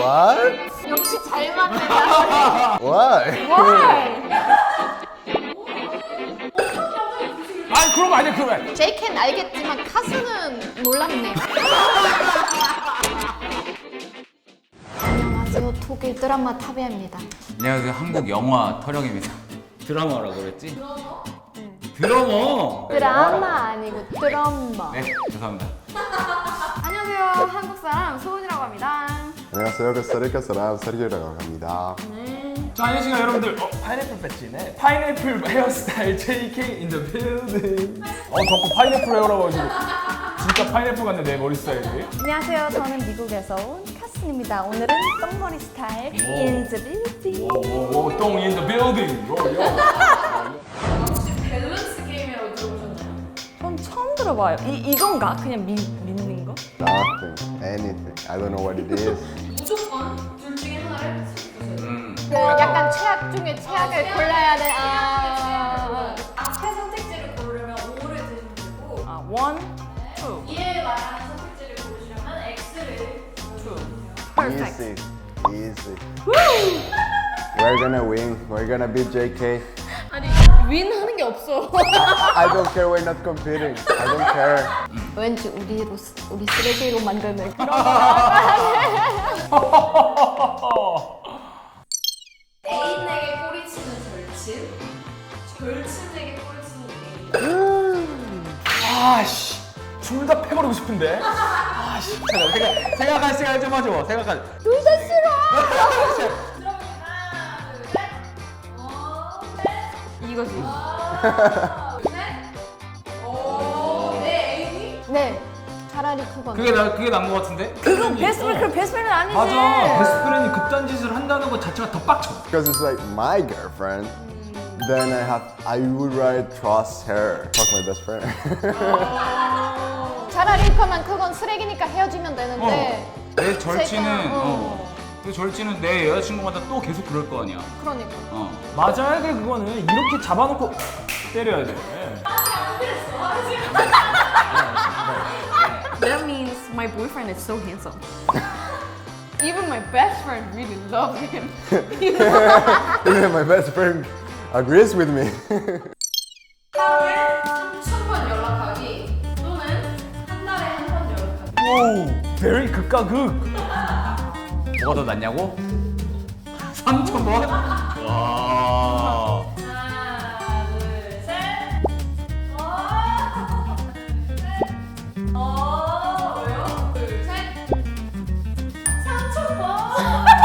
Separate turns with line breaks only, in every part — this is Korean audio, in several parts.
What?
역시 잘 맞는다.
What?
Why?
아니 그런 거 아니야 그러면.
JK는 알겠지만 카스는 놀랍네요. 안녕하세요. 독일 드라마 타비입니다.
안녕하세요 한국 영화 터령입니다. 드라마라고 그랬지? 드러머.
드라마 아니고 드럼머.
네 죄송합니다.
안녕하세요. 한국 사람 소은이라고 합니다.
안녕하세요. 코스타리카 사람 서리오라고 합니다.
자 안녕하세요 여러분들. 파인애플 배지네. 파인애플 헤어스타일 JK in the building. 자꾸 파인애플 헤어라고 해가지고 진짜 파인애플 같네 내 머리 스타일이.
안녕하세요. 저는 미국에서 온 카슨입니다. 오늘은 똥머리 스타일 in the building.
오오오 똥 in the building.
혹시 밸런스 게임이라고 들어보셨나요?
전 처음 들어봐요. 이건가? 그냥 믿는 거?
Nothing. Anything. I don't know what it is.
무조건 둘 중에 하나를 선택하셔야 돼요. 그 약간 최악 중에 최악을 골라야 돼. 앞에 선택지를 고르려면 5를 드시면 되고
아, one, two,
이에 말하는 선택지를 고르시려면 X를
two.
Easy. Easy. We're gonna win. We're gonna beat JK.
아니 윈 하는 게 없어.
I don't care. We're not competing. I don't care.
왠지 우리 쓰레기로 만드는 그런 애인에게 꼬리치는 절친, 절친에게 꼬리치는 애인.
아씨 둘 다 패버리고 싶은데. 아씨 잠깐 생각할 시간 좀 하죠. 생각할.
둘 다 싫어. 그러면 하나, 둘, 셋.
이거지.
내 애인이? 네. 차라리 그건.
그게 나은 것 같은데?
그건 베스트프렌드, 그럼 베스트프렌드 아니지.
맞아. 베스트프렌이 그딴 짓을 한다는 것 자체가 더 빡쳐.
Because it's like my girlfriend. Then I would rather trust her. Fuck my best friend.
차라리 그러면 그건 쓰레기니까 헤어지면 되는데.
내 절친은
제가,
그 절친은 내 여자친구마다 또 계속 그럴 거 아니야.
그러니까.
맞아야 돼 그거는 이렇게 잡아놓고 때려야 돼.
That means my boyfriend is so handsome.
Even my best friend really loves him.
Even my best friend agrees with me.
하루에 3,000번 연락하기 또는 한 달에 한 번 연락하기.
오, very 극과 극. 뭐가 더 낫냐고? 3,000번? 와.
하나, 둘, 셋. 왜요? 둘, 셋. 3,000번.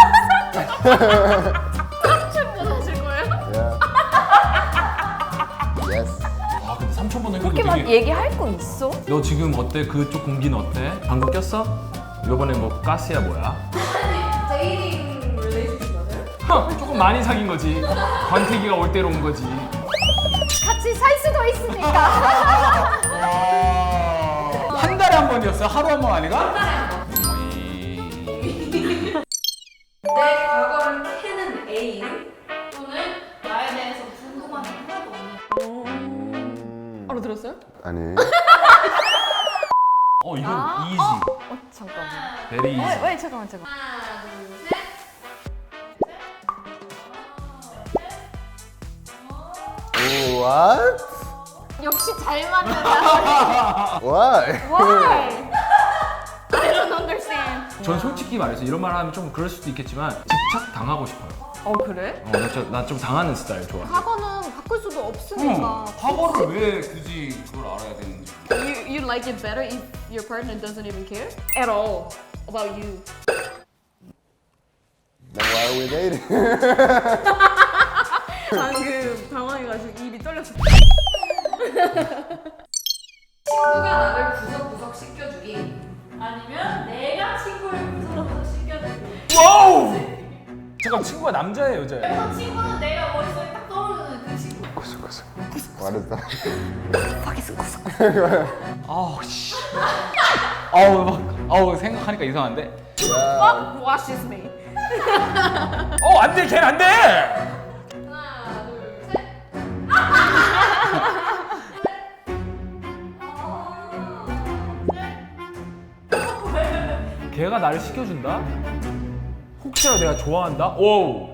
3,000번 하실 거예요?
Yeah. Yes.
아 근데 3,000번은
그렇게 막 얘기할 거 있어?
너 지금 어때? 그쪽 공기는 어때? 방구 꼈어? 이번에 뭐 가스야 뭐야?
데이팅 릴레이션십 맞아요?
조금 많이 사귄 거지. 권태기가 올 때로 온 거지.
같이 살 수도 있으니까.
한 달에 한 번이었어요? 하루 한 번 아니가?
한 달에 한 번. 내 과거를 캐는 애인 또는 나에 대해서 궁금한 게 하나도 없는.
알아들었어요?
아니.
이건 이지.
잠깐만.
베리 이지.
왜 잠깐만.
하나, 둘, 셋.
What?
역시 잘 맞는다.
Why?
Why? I don't understand.
전 솔직히 말해서 이런 말 하면 좀 그럴 수도 있겠지만 집착 당하고 싶어요.
그래?
나 좀 당하는 스타일 좋아.
과거는 바꿀 수도 없으니까.
과거를 왜 굳이 그걸 알아야 되는지.
You like it better if your partner doesn't even care at all about you.
Then why are we dating?
방금 당황해가지고 입이 떨렸어.
친구가 나를 구석구석 씻겨주기 아니면 내가 친구를 구석구석 씻겨주기.
와우! 잠깐 친구가 남자예요 여자예요?
그래서 친구는 내가 머릿속에 딱 떠오르는 그 친구.
What is that?
아우 씨. 생각하니까 이상한데.
Yeah.
Washes me.
안돼 걔는 안돼.
하나, 둘, 셋.
걔가 나를 시켜준다? 혹시나 내가 좋아한다? 오우.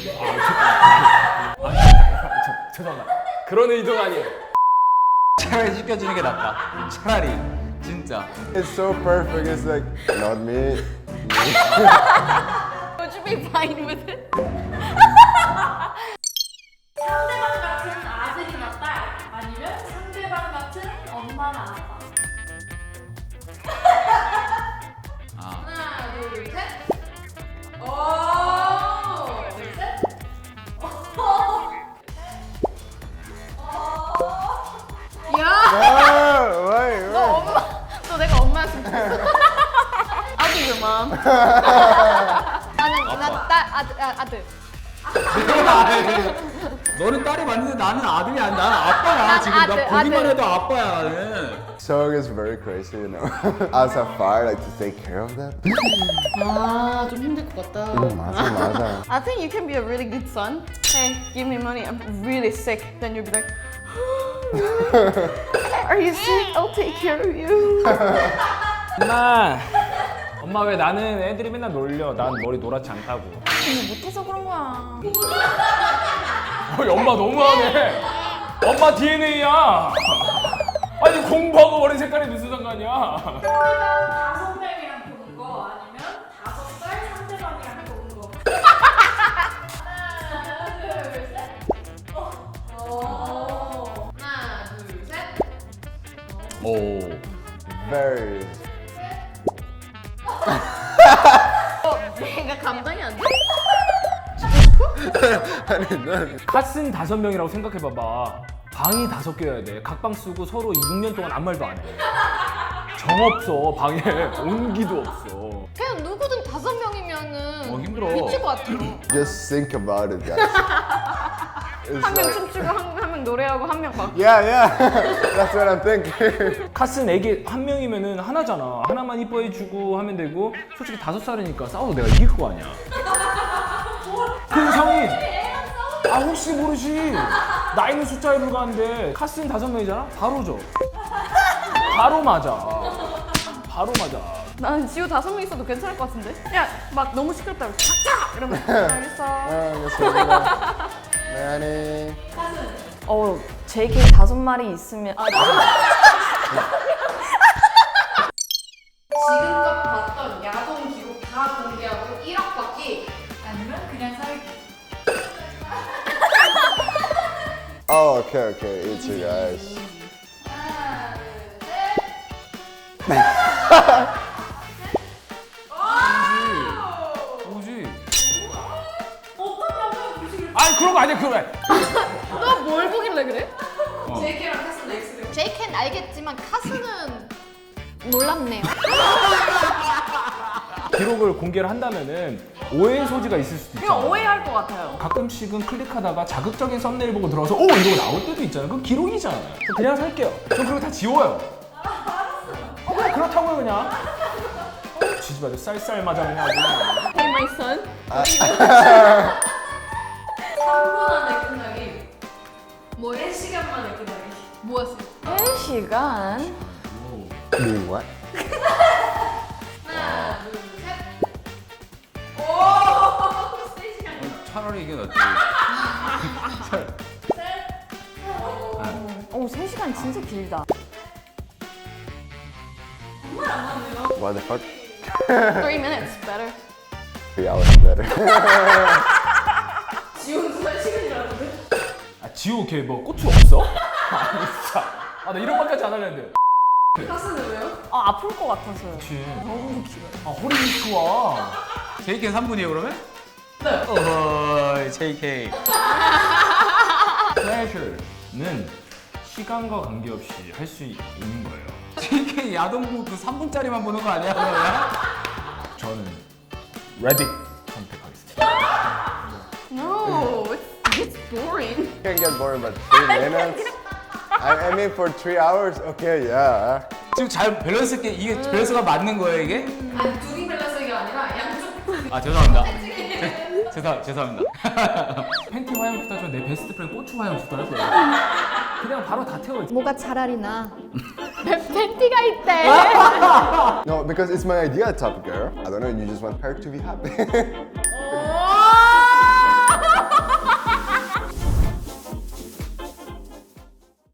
죄송합니다. 그런 의도가 아니에요.
차라리 시켜주는 게 낫다. 차라리 진짜.
It's so perfect. It's like not me.
Would you be fine with it?
상대방 같은 아들이나 딸 아니면 상대방 같은 엄마나 아빠. 하나, 둘, 셋. 오! 둘, 셋.
Oh, wait, wait.
너 내가 엄마였으면 좋겠어. I'll be your mom. 아들.
너는 딸이 맞는데 나는 아들이 아니야. 나는 아빠야.
난
지금
아들,
나 보기만
아들.
해도 아빠야 나는.
Sung is very crazy, you know. As a father, like to take care of them.
아, 좀 힘들 것 같다.
맞아.
I think you can be a really good son. Hey, give me money. I'm really sick. Then you'll be like, are you sick? I'll take care of you.
엄마 왜 나는 애들이 맨날 놀려? 난 머리 노랗지 않다고.
근데 못해서 그런 거야.
어이, 엄마 너무하네. 엄마 DNA야. 아니 공부하고 머리 색깔이 무슨 상관이야?
상대방 5명이랑 보는 거 아니면 5살 상대방이랑 보는 거. 하나, 둘, 셋. 하나, 둘, 셋.
오.
Very.
내가 감당이 안 돼?
카슨 5명이라고 생각해봐봐. 방이 5개여야 돼. 각 방 쓰고 서로 6년 동안 아무 말도 안 해. 정 없어. 방에 온기도 없어.
그냥 누구든 5명이면은
힘들어.
미칠 것 같아요.
Just think about it, guys. It's
한 명
like,
춤추고 한 명 노래하고 한 명 막.
yeah. That's what I'm thinking.
카슨 애기 1명이면은 하나잖아. 하나만 이뻐해주고 하면 되고 솔직히 5살이니까 싸워도 내가 이길 거 아니야. 그 성인. 아 혹시 모르지. 나이는 숫자에 불과한데 카슨 5명이잖아? 바로 져. 바로 맞아. 바로 맞아.
나는 지우 5명 있어도 괜찮을 것 같은데? 야, 막 너무 시끄럽다고 착착! 이러면 알겠어.
알겠습니다. Nanny.
JK 5마리 있으면
지금껏 봤던 야동 기록 다 공개하고 1억 받기 아니면 그냥 살기.
Oh, okay. Easy, guys.
하나, 둘, 셋.
뭐지?
어떤 여자가 보시길
아니 그런 거 아니야 그래.
너 뭘 보길래 그래?
JK랑 카슨 X를.
JK는 알겠지만 카스는 놀랍네요.
기록을 공개를 한다면은 오해의 소지가 있을 수도 있잖아.
그냥 오해할 것 같아요.
가끔씩은 클릭하다가 자극적인 썸네일 보고 들어와서 오 이거 나올 때도 있잖아요. 그건 기록이잖아. 저 그냥 살게요. 전 그리고 다 지워요. 그래 그렇다고요 그냥. 지지 마죠. 쌀쌀 맞아 그냥 아주.
Hey my son.
3분 안에 끝나기. 뭐 1시간 만에 끝나기.
뭐였어?
1시간?
Doing what?
하나, 둘, 셋. 오! 3시간.
차라리 이게 낫지.
오, 3시간 진짜 길다.
What the fuck?
3 minutes better.
3 hours better.
지훈 3시간이 나는데?
아 지호 걔뭐 고추 없어? 아니 진짜. 아 나 이런 말까지 안 하려는데.
카스는 왜요?
아, 아플 것 같아서요.
그치. 너무 길어. 아 허리 좋아.
JK는 3분이에요 그러면? 네. 어허 JK.
플레저는 시간과 관계없이 할 수 있는 거예요.
JK 야동부 그 3분짜리만 보는 거 아니야 그러면?
저는 레딧 선택하겠습니다.
No, it's boring.
Can't get boring, but 3 minutes. I mean, for 3 hours. Okay, yeah.
지금 잘 밸런스 있게 이게 밸런스가 맞는 거예요 이게?
아니, 둘이 밸런스가 아니라 양쪽.
아 죄송합니다. 죄송합니다.
팬티 화장부터 내 베스트 프렌드 고추 화장부터 할 거야. 그냥 바로 다 태워.
뭐가 차라리 나.
팬티가 있대.
No, because it's my idea topic, girl. I don't know, you just want her to be happy.